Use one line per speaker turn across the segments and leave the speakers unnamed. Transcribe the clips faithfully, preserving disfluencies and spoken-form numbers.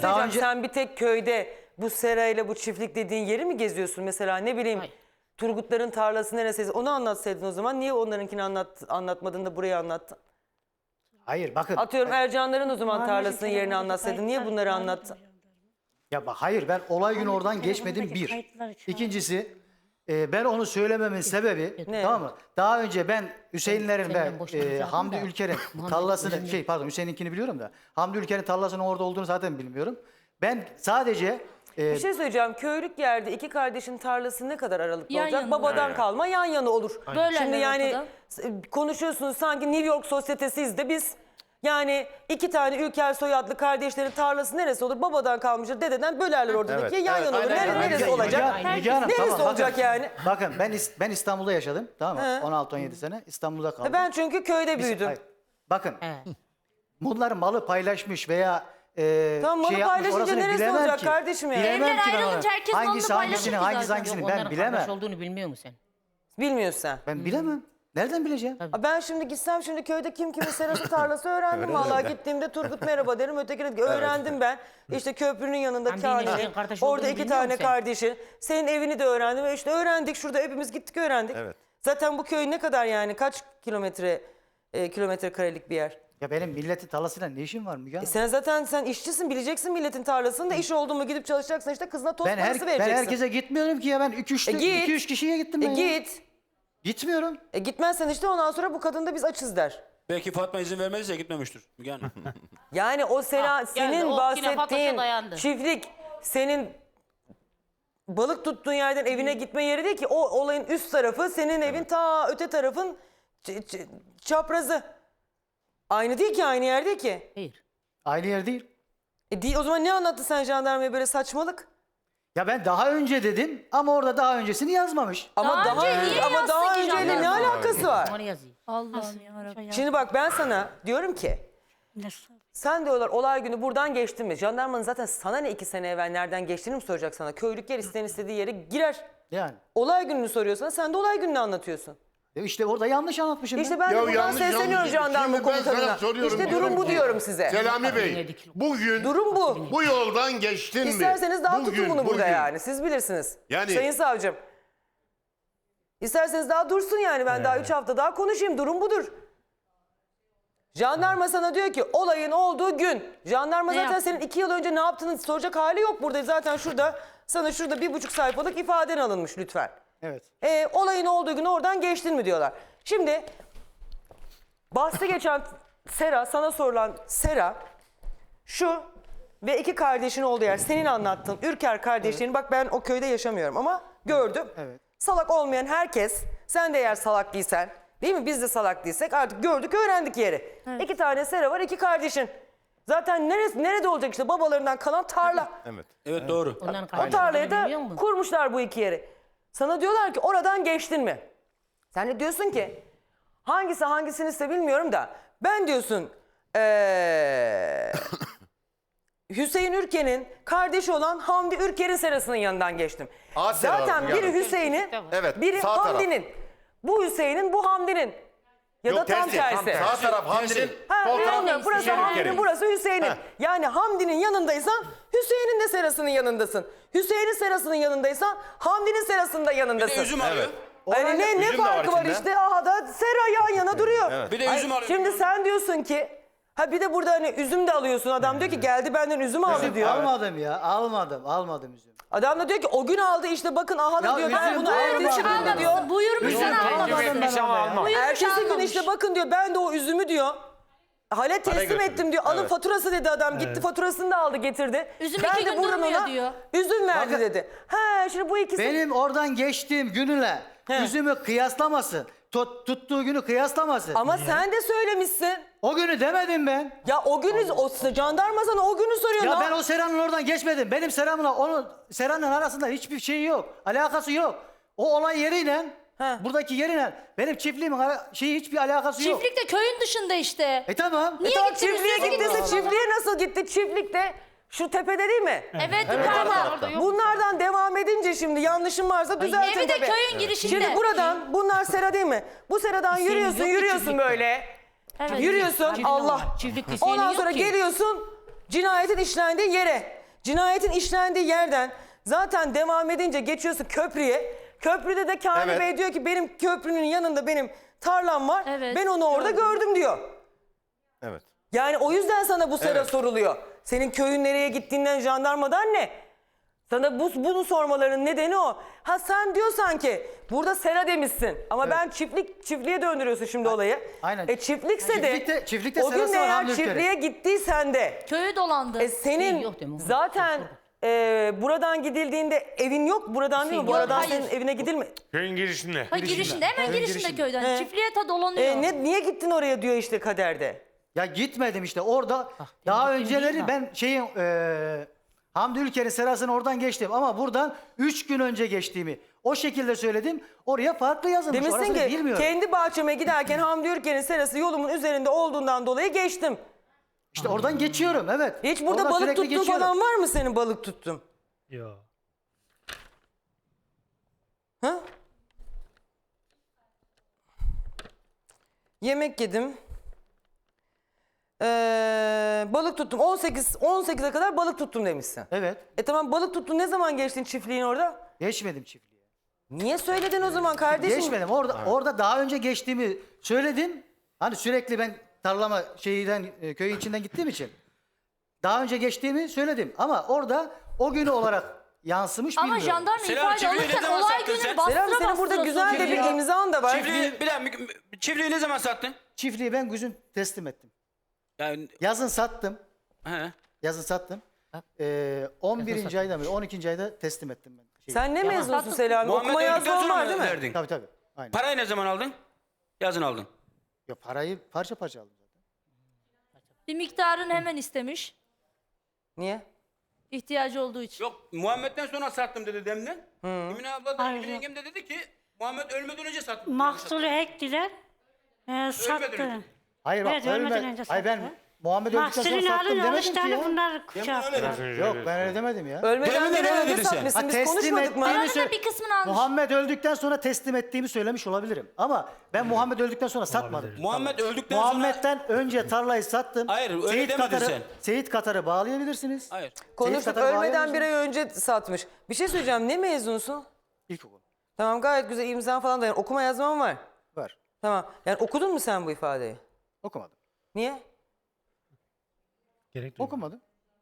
söyleyeceğim.
önce-
Sen bir tek köyde bu serayla bu çiftlik dediğin yeri mi geziyorsun? Mesela ne bileyim
Hayır.
Turgutların tarlası neresi? Onu anlatsaydın o zaman. Niye onlarınkini anlat, anlatmadın da burayı anlattın?
Hayır bakın.
Atıyorum Ercanların o zaman
Var mı
tarlasının
şeker
yerini
var,
anlatsaydın. Niye
kayıtlar
bunları
var mı?
anlattın?
Ya bak hayır ben olay günü oradan
telefondaki
geçmedim bir.
kayıtları şu an-
İkincisi e, ben onu söylememin sebebi
Ne?
tamam mı? Daha önce ben Hüseyinlerin
Senden
ve
boşanacağım
e, Hamdi
da.
Ülker'in
Muhammed
tarlasını
önemli.
şey pardon Hüseyin'inkini biliyorum da Hamdi Ülker'in tarlasının orada olduğunu zaten bilmiyorum. Ben sadece e,
Bir şey söyleyeceğim. Köylük yerde iki kardeşin tarlası ne kadar aralıklı
Yan
olacak?
yana.
Babadan
Evet.
kalma yan yana olur.
Böyle
Şimdi yani
ortada.
s- konuşuyorsunuz sanki New York sosyetesiyiz de biz yani iki tane Ülker soyadlı kardeşlerin tarlası neresi olur? Babadan kalmıştır, dededen bölerler oradaki
Evet,
yan
evet,
yana olur.
aynen
Nere-
öyle.
neresi
Müge-
olacak?
Müge- Müge Hanım,
Neresi
tamam, bakın.
olacak yani?
Bakın ben İs- ben İstanbul'da yaşadım tamam mı?
He.
on altı on yedi sene İstanbul'da kaldım.
Ben çünkü köyde
Biz-
büyüdüm.
hayır. Bakın
Evet.
bunlar malı paylaşmış veya e,
Tamam, malı
şey yapmış,
paylaşınca
orasını
neresi
bilemem
olacak
ki.
kardeşim ya?
Bilemem
Evler
ki ben onu.
ayrılınca herkes malını
Hangisi
paylaşır
hangisini
ki
hangisi
zaten.
hangisini
Yok,
ben
onların
bilemem.
kardeş olduğunu bilmiyor musun sen?
Bilmiyorsun sen.
Ben bilemem. Nereden bileceğim?
Aa, Ben şimdi gitsem şimdi köyde kim kimin serası tarlası öğrendim. Vallahi gittiğimde Turgut merhaba derim. Ötekine öğrendim ben. İşte köprünün yanında
Hamdi'nin
Kani'nin.
eşinin kardeş
Orada
olduğunu
iki
bilmiyor
tane
musun sen?
kardeşi. Senin evini de öğrendim. Ve işte öğrendik. Şurada hepimiz gittik öğrendik.
Evet.
Zaten bu köy ne kadar yani? Kaç kilometre e, kilometre karelik bir yer?
Ya benim milletin tarlasıyla ne işim var Müge Hanım?
E sen zaten sen işçisin, bileceksin milletin tarlasını da iş oldu mu gidip çalışacaksın işte kızına tost
Ben, her,
parası
ben
vereceksin.
herkese gitmiyorum ki ya ben iki üç
E git.
iki üç kişiye gittim
E
ben ya.
git.
Gitmiyorum.
E gitmezsen işte ondan sonra bu kadın da biz açız der.
Belki Fatma izin vermediyse gitmemiştir Müge Hanım.
Yani o sena,
Ha,
senin
geldi, o yine Fatmaş'a
bahsettiğin
dayandı.
çiftlik senin balık tuttuğun yerden evine gitme yeri değil ki. O olayın üst tarafı senin evin ta öte tarafın ç- ç- çaprazı. Aynı değil ki, aynı yer değil ki.
Hayır.
Aynı yer değil.
E değil, o zaman ne anlattı sen jandarmaya böyle saçmalık?
Ya ben daha önce dedim ama orada daha öncesini yazmamış.
Ama
Daha
daha,
önce niye
ama daha
yazsın ki
önceyle ne
jandarma?
alakası var?
Onu yazayım.
Allah'ım yarabbim.
Şimdi bak ben sana diyorum ki sen diyorlar olay günü buradan geçtin mi? Jandarmanın zaten sana ne iki sene evvel nereden geçtiğini mi soracak sana? Köylük yer isteyen istediği yere girer.
Yani.
Olay gününü soruyorsan sen de olay gününü anlatıyorsun.
E işte orada yanlış anlatmışım.
İşte
ben.
ben de
Ya
buradan
yanlış,
sesleniyorum
yanlış.
jandarma
Şimdi ben sana
komutanına.
soruyorum,
İşte
diyorum
durum bu
ki,
diyorum size.
Selami Bey, bugün
Durum bu.
bu yoldan geçtin mi?
İsterseniz daha
Bugün,
tutun bunu burada
bugün.
yani. Siz bilirsiniz.
Yani-
Sayın savcım. İsterseniz daha dursun yani. Ben daha üç hafta daha konuşayım. Durum budur. Jandarma sana diyor ki olayın olduğu gün. Jandarma
Ne
zaten
yaptın?
senin iki yıl önce ne yaptığını soracak hali yok burada. Zaten şurada sana şurada bir buçuk sayfalık ifaden alınmış lütfen.
Evet.
E, olayın olduğu gün oradan geçtin mi diyorlar. Şimdi bahsi geçen Sera, sana sorulan Sera şu ve iki kardeşin olduğu yer senin anlattığın Ürker kardeşlerini bak ben o köyde yaşamıyorum ama gördüm.
Evet.
Salak olmayan herkes, sen de eğer salak değilsen değil mi, biz de salak değilsek artık gördük öğrendik yeri. İki tane Sera var, iki kardeşin. Zaten neresi, nerede olacak işte babalarından kalan tarla.
Evet.
Evet doğru.
Onların
O
kardeş
tarlaya
olduğunu biliyor
da
musun?
kurmuşlar bu iki yeri. Sana diyorlar ki oradan geçtin mi? Sen de diyorsun ki hangisi hangisini ise bilmiyorum da ben diyorsun ee, Hüseyin Ürker'in kardeşi olan Hamdi Ürker'in serasının yanından geçtim.
A sera
Zaten biri
yani.
Hüseyin'in,
Evet,
biri
sağ taraf.
Hamdi'nin. Bu Hüseyin'in, bu Hamdi'nin. Ya
Yok,
da tam tersi.
Sağ taraf Hamdi'nin,
Ha,
sol taraf
bilmiyorum. Burası
Hüseyin
Hamdi'nin,
Ülker'in.
burası Hüseyin'in.
Heh.
Yani Hamdi'nin yanındaysan Hüseyin'in de serasının yanındasın. Hüseyin'in serasının yanındaysan Hamdi'nin serasının da
Bir de
yanındasın.
üzüm alıyor.
Yani ne, ne
Üzüm de var
farkı var,
içinde.
işte? Aha da sera yan yana duruyor.
Bir de üzüm alıyor.
Şimdi sen diyorsun ki ha bir de burada hani üzüm de alıyorsun. Adam diyor ki geldi benden üzüm aldı diyor.
Almadım ya. Almadım. Almadım üzüm.
Adam da diyor ki o gün aldı işte bakın aha da
Ya
diyor ben
üzüm
bunu
almadım.
ertesi gün de diyor.
Buyurmuş
Üzüm
sen
almadım
almadın.
ben ama ya.
Ertesi gün
almamış.
işte bakın diyor ben de o üzümü diyor. Hale teslim
götürdü.
ettim diyor. Alın
Evet.
faturası dedi adam. Gitti faturasını da aldı getirdi.
Üzüm
ben
iki
de
gün
buradan
durmuyor
ona
diyor.
üzüm verdi
Bakın-
dedi. He şimdi bu ikisi.
Benim oradan geçtiğim gününe
He.
üzümü kıyaslamasın. Tut, tuttuğu günü kıyaslamasın.
Ama sen de söylemişsin.
O günü demedim ben.
Ya o günü o jandarma sana o günü soruyor.
Ya
Ne-
ben o Sera'nın oradan geçmedim. Benim Sera'mla onun Sera'nın arasında hiçbir şey yok. Alakası yok. O olay yeriyle
He.
buradaki yeriyle benim çiftliğimin ara- şeyi hiçbir alakası yok.
Çiftlik de köyün dışında işte.
E tamam.
Niye
E tamam,
gittiniz?
çiftliğe
Siz
gittiyse
gittiniz.
çiftliğe nasıl gitti? Çiftlikte şu tepede değil mi?
Evet,
E
yukarıda.
tamam. Bunlardan devam edince şimdi yanlışım varsa düzeltin
Evi de
tabii.
köyün girişinde.
Şimdi buradan bunlar sera değil mi? Bu seradan
Hüseyin
yürüyorsun
yok ki
yürüyorsun
çiftlikte.
böyle.
Evet.
Yürüyorsun
Çiftlik
Allah.
var. Çiftlik Hüseyin'in
Ondan
yok
sonra
ki.
geliyorsun cinayetin işlendiği yere. Cinayetin işlendiği yerden zaten devam edince geçiyorsun köprüye. Köprüde de Kamil
Evet.
Bey diyor ki benim köprünün yanında benim tarlam var.
Evet,
Ben onu orada
gördüm.
gördüm diyor.
Evet.
Yani o yüzden sana bu sera
Evet.
soruluyor. Senin köyün nereye gittiğinden, jandarmadan ne? Sana bu, bunu sormaların nedeni o. Ha sen diyorsan ki burada sera demişsin ama ben çiftlik çiftliğe döndürüyorsun şimdi olayı.
Aynen.
E çiftlikse de
Çiftlikte- çiftlikte
o gün
serası
de
var
eğer
Hamdi Ülker'in.
çiftliğe gittiysen de
Köyü dolandı.
e senin
yok değil mi?
zaten e, buradan gidildiğinde evin yok buradan değil mi? Bu
Yok,
aradan
hayır.
senin evine gidilme.
Köyün girişinde.
Ha, girişinde hemen
Köyün
girişinde
girişinde.
köyden.
He.
Çiftliğe ta dolanıyor.
E, ne, niye gittin oraya diyor işte kaderde.
Ya gitmedim işte orada daha önceleri ben şeyin e, Hamdi Ülker'in serasını oradan geçtim ama buradan üç gün önce geçtiğimi o şekilde söyledim. Oraya farklı yazılmış.
Demişsin
Orasını
ki
bilmiyorum.
kendi bahçeme giderken Hamdi Ülker'in serası yolumun üzerinde olduğundan dolayı geçtim.
İşte oradan geçiyorum evet.
Hiç burada
Oradan
balık
sürekli
tuttuğun
geçiyorum.
falan var mı senin balık tuttun?
Yok.
Ha? Yemek yedim. Ee, balık tuttum. on sekiz on sekize kadar balık tuttum demişsin.
Evet.
E tamam balık tuttun. Ne zaman geçtin çiftliğin orada?
Geçmedim çiftliğe.
Niye söyledin o zaman kardeşim?
Geçmedim. Orada orada daha önce geçtiğimi söyledim. Hani sürekli ben tarlama şeyden e, köyün içinden gittiğim için daha önce geçtiğimi söyledim ama orada o günü olarak yansımış
Ama
bilmiyorum.
jandarma
Selam,
ifade
çiftliği ne
alırken
zaman
olay
sattın
günü
sen?
bastıra
Selam senin burada
bastıra
güzel de bir
sokuyor.
imzan da var.
Çiftliği, bir dakika, çiftliği ne zaman sattın?
Çiftliği ben güzün teslim ettim.
Yani,
Yazın sattım.
he.
Yazın sattım. Ee, on birinci ayda mı on ikinci ayda teslim ettim ben. Şeyi.
Sen ne mezunsun
Sattın.
Selami?
Muhammed
Okuma
öldükten
yazma
sonra
var
mı
değil mi?
verdin?
Tabii tabii. Aynen.
Parayı ne zaman aldın? Yazın aldın.
Ya parayı parça parça aldım zaten.
Bir miktarını hemen istemiş.
Niye?
İhtiyacı olduğu için.
Yok, Muhammed'den sonra sattım dedi Demle. Emine abla da
Hayır,
Emine
yok.
yengem de dedi ki Muhammed ölmeden önce sattım.
Mahsulü ektiler. E, sattı.
önce.
Hayır bak
Evet, ölmeden
ölme-
önce
Hayır ben
sattı.
Muhammed öldükten sonra
Mahsulünü
sattım
alın
demedim
alış
ki
tane
ya.
bunlar
Demle
şey
öyle
yaptılar.
dedi.
Yok ben öyle demedim ya.
Ölmeden
Demeden
bir
öyle
önce
dedin sen.
satmışsın.
Ha,
Biz
teslim
konuşmadık mı?
ettiğini
Arada
sö-
bir kısmını almış.
Muhammed öldükten sonra teslim ettiğimi söylemiş olabilirim. Ama ben Muhammed öldükten sonra satmadım.
Muhammed öldükten sonra...
Muhammed'den önce tarlayı sattım.
Hayır, öyle
Seyit
demedin
Katar'ı,
sen.
Seyit Katar'ı bağlayabilirsiniz.
Hayır.
Konuştuk
Katar'ı
ölmeden
bağlayabilirsiniz.
bir ay önce satmış. Bir şey söyleyeceğim. Ne mezunsun?
İlkokul.
Tamam gayet güzel imzan falan da yani okuma yazman var.
Var.
Tamam. Yani okudun mu sen bu ifadeyi?
Okumadım.
Niye?
Gerek duymadım.
Okumadım.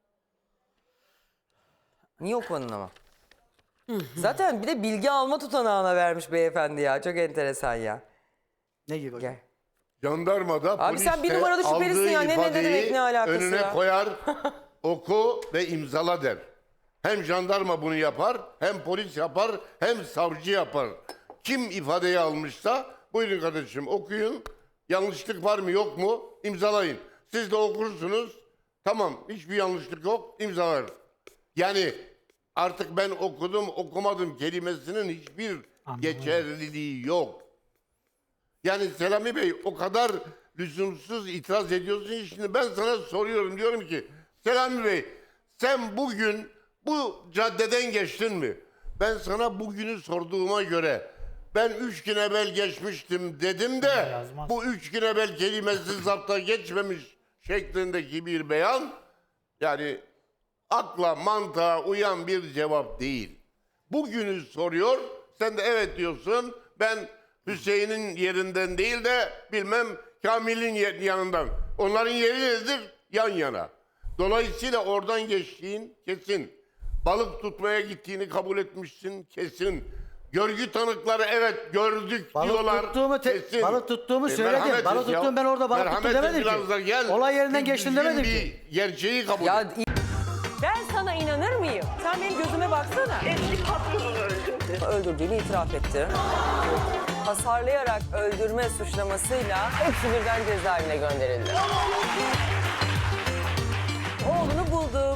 Niye okumadın ama? Zaten bir de bilgi alma tutanağına vermiş beyefendi ya. Çok enteresan ya.
Ne gibi?
Gel.
Jandarmada
Abi
polis
sen bir
de
numaralı şüphelisin
aldığı
ya. Ne- ne
ifadeyi
demek, ne alakası
önüne
ya?
koyar, oku ve imzala der. Hem jandarma bunu yapar, hem polis yapar, hem savcı yapar. Kim ifadeyi almışsa buyurun kardeşim okuyun. Yanlışlık var mı yok mu imzalayın. Siz de okursunuz. Tamam hiçbir yanlışlık yok imzalar. Yani artık ben okudum okumadım kelimesinin hiçbir geçerliliği yok. Yani Selami Bey o kadar lüzumsuz itiraz ediyorsun ki şimdi ben sana soruyorum diyorum ki Selami Bey sen bugün bu caddeden geçtin mi? Ben sana bugünü sorduğuma göre ben üç gün evvel geçmiştim dedim de
Yazmaz.
bu üç gün evvel kelimesi zapta geçmemiş şeklindeki bir beyan yani akla mantığa uyan bir cevap değil. Bugünü soruyor sen de evet diyorsun ben Hüseyin'in yerinden değil de bilmem Kamil'in yer- yanından. Onların yeri nedir? Yan yana. Dolayısıyla oradan geçtiğin kesin. Balık tutmaya gittiğini kabul etmişsin kesin. Görgü tanıkları evet gördük
Balık
diyorlar.
tuttuğumu te-
kesin.
balık tuttuğumu
E,
söyledim.
merhamet
Balık
et ya.
tuttum ben orada balık tuttum
Merhamet et
demedim
biraz
ki.
da gel.
Olay yerinden
Bir
geçtim
düzgün
demedim
bir
ki.
gerçeği kabul
Ya
et.
ben sana inanır mıyım? Sen benim gözüme baksana.
Eski patronunu öldürdü.
Öldürdüğünü itiraf etti. Hasarlayarak öldürme suçlamasıyla hepsi birden cezaevine gönderildi. Oğlunu buldu.